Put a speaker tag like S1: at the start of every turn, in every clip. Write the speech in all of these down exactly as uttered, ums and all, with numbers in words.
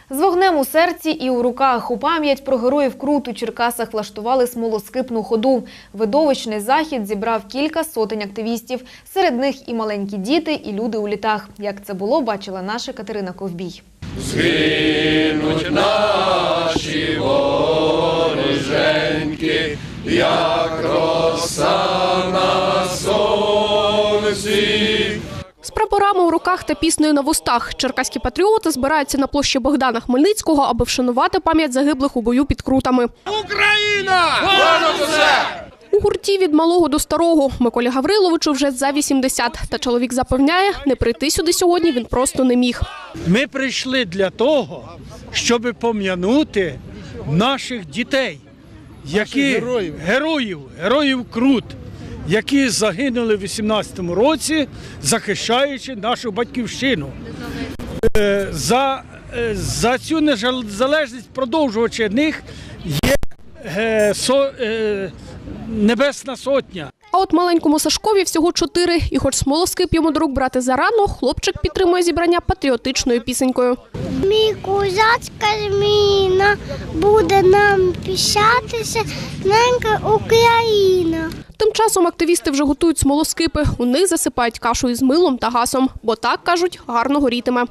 S1: З вогнем у серці і у руках у пам'ять про героїв Крут у Черкасах влаштували смолоскипну ходу. Видовищний захід зібрав кілька сотень активістів. Серед них і маленькі діти, і люди у літах. Як це було, бачила наша Катерина Ковбій.
S2: Згинуть наші вороженьки, як роса на сонці.
S3: З прапорами у руках та піснею на вустах черкаські патріоти збираються на площі Богдана Хмельницького, аби вшанувати пам'ять загиблих у бою під Крутами.
S2: Україна! Понад усе!
S3: У гурті від малого до старого. Миколі Гавриловичу вже за вісімдесят. Та чоловік запевняє, не прийти сюди сьогодні він просто не міг.
S4: Ми прийшли для того, щоб пом'янути наших дітей, які героїв. героїв, героїв Крут, які загинули в вісімнадцятому році, захищаючи нашу батьківщину. За, за цю незалежність продовжувачі них є е, со, е, Небесна Сотня.
S3: А от маленькому Сашкові всього чотири. І хоч смолоскип йому до рук брати зарано, хлопчик підтримує зібрання патріотичною пісенькою.
S5: Мій козацька зміна буде нам пишатися, ненька Україна.
S3: Тим часом активісти вже готують смолоскипи. У них засипають кашу із милом та гасом. Бо так, кажуть, гарно горітиме.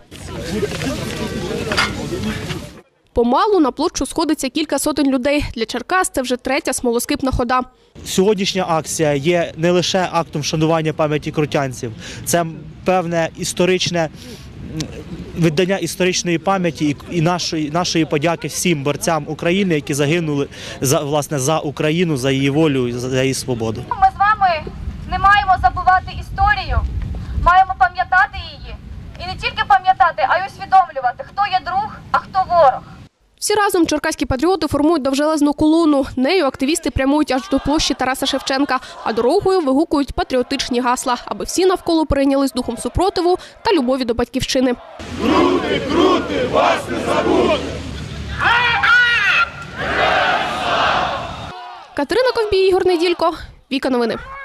S3: Помалу на площу сходиться кілька сотень людей. Для Черкас це вже третя смолоскипна хода.
S6: Сьогоднішня акція є не лише актом вшанування пам'яті крутянців. Це певне історичне віддання історичної пам'яті і нашої, нашої подяки всім борцям України, які загинули за, власне, за Україну, за її волю і за її свободу.
S7: Ми з вами не маємо забувати історію, маємо пам'ятати її. І не тільки пам'ятати, а й усвідомлювати, хто є друг, а хто ворог.
S3: Всі разом черкаські патріоти формують довжелезну колону. Нею активісти прямують аж до площі Тараса Шевченка, а дорогою вигукують патріотичні гасла, аби всі навколо прийнялись духом супротиву та любові до батьківщини.
S2: Крути, крути, вас не забудь!
S3: Катерина Ковбій, Ігор Неділько, Віка Новини.